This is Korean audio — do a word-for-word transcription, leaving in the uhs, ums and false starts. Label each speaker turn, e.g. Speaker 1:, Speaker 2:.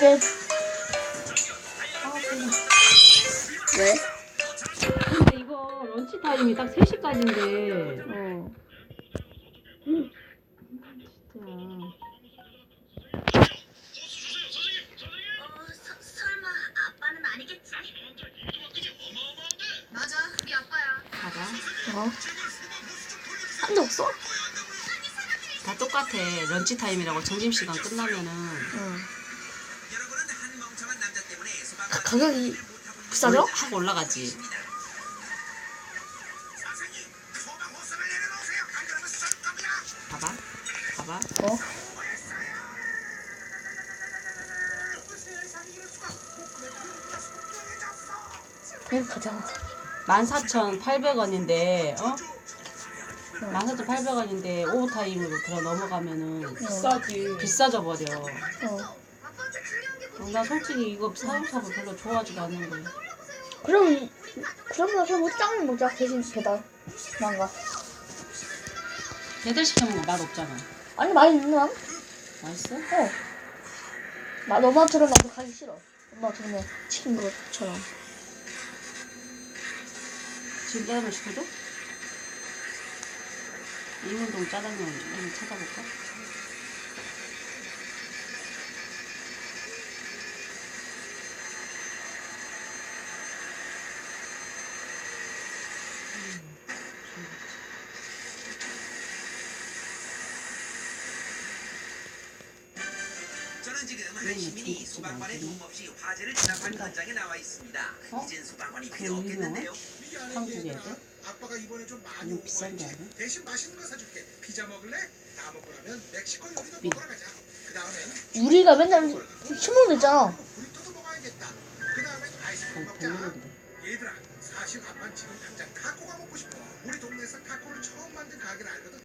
Speaker 1: 셋.
Speaker 2: 아, 그냥.
Speaker 1: 왜?
Speaker 2: 근데 이거 런치 타임이 딱 세 시까지인데.
Speaker 1: 어.
Speaker 2: 진짜.
Speaker 3: 어, 서, 설마 아빠는 아니겠지? 맞아, 네 아빠야.
Speaker 2: 봐봐.
Speaker 1: 어? 한 적 없어?
Speaker 2: 다 똑같아. 런치 타임이라고 점심시간 끝나면은.
Speaker 1: 응.
Speaker 3: 가,
Speaker 1: 가격이 비싸죠?
Speaker 2: 확 올라가지. 봐봐. 봐봐.
Speaker 1: 어? 그냥 가자.
Speaker 2: 만 사천 팔백 원인데, 어? 만 사천 팔백 원인데 오버타임으로 들어 넘어가면은
Speaker 4: 비싸지.
Speaker 2: 비싸져 버려.
Speaker 1: 어.
Speaker 2: 어, 나 솔직히 이거 사업사고 별로 좋아하지도 않는 거야.
Speaker 1: 그럼, 그러면 그럼 우리 짱을 먹자. 대신 배달. 난가.
Speaker 2: 배달 시켜 먹으면 맛 없잖아.
Speaker 1: 아니, 많이 있는 남?
Speaker 2: 맛있어?
Speaker 1: 어. 나 너만처럼 나도 가기 싫어. 엄마처럼 치킨 것처럼.
Speaker 2: 지금 짜장면 시켜줘? 이문동 짜장면 한번 찾아볼까?
Speaker 5: 저는 지금 한 시민이 소방관의 도움 없이 화재를 진압한 현장에 나와 있습니다.
Speaker 2: 어?
Speaker 5: 이젠 소방관이
Speaker 2: 그
Speaker 5: 필요 없겠는데요.
Speaker 2: 한국 애들?
Speaker 6: 아빠가 이번에 좀 많이
Speaker 2: 너무 비싼 게
Speaker 6: 오버했지.
Speaker 2: 아니야?
Speaker 6: 대신 맛있는 거 사줄게. 피자 먹을래? 다 먹고 나면 멕시코 요리도
Speaker 2: 미-
Speaker 6: 먹으러 가자. 그 다음엔
Speaker 1: 우리가 맨날 신문 있잖아.
Speaker 6: 브리또도 먹어야겠다. 그 다음엔 아이스크림
Speaker 2: 어,
Speaker 6: 먹자.
Speaker 2: 별로던데.
Speaker 6: 얘들아, 사실 아빠는 지금 당장 타코가 먹고 싶어. 우리 동네에서 타코를 처음 만든 가게를 알거든.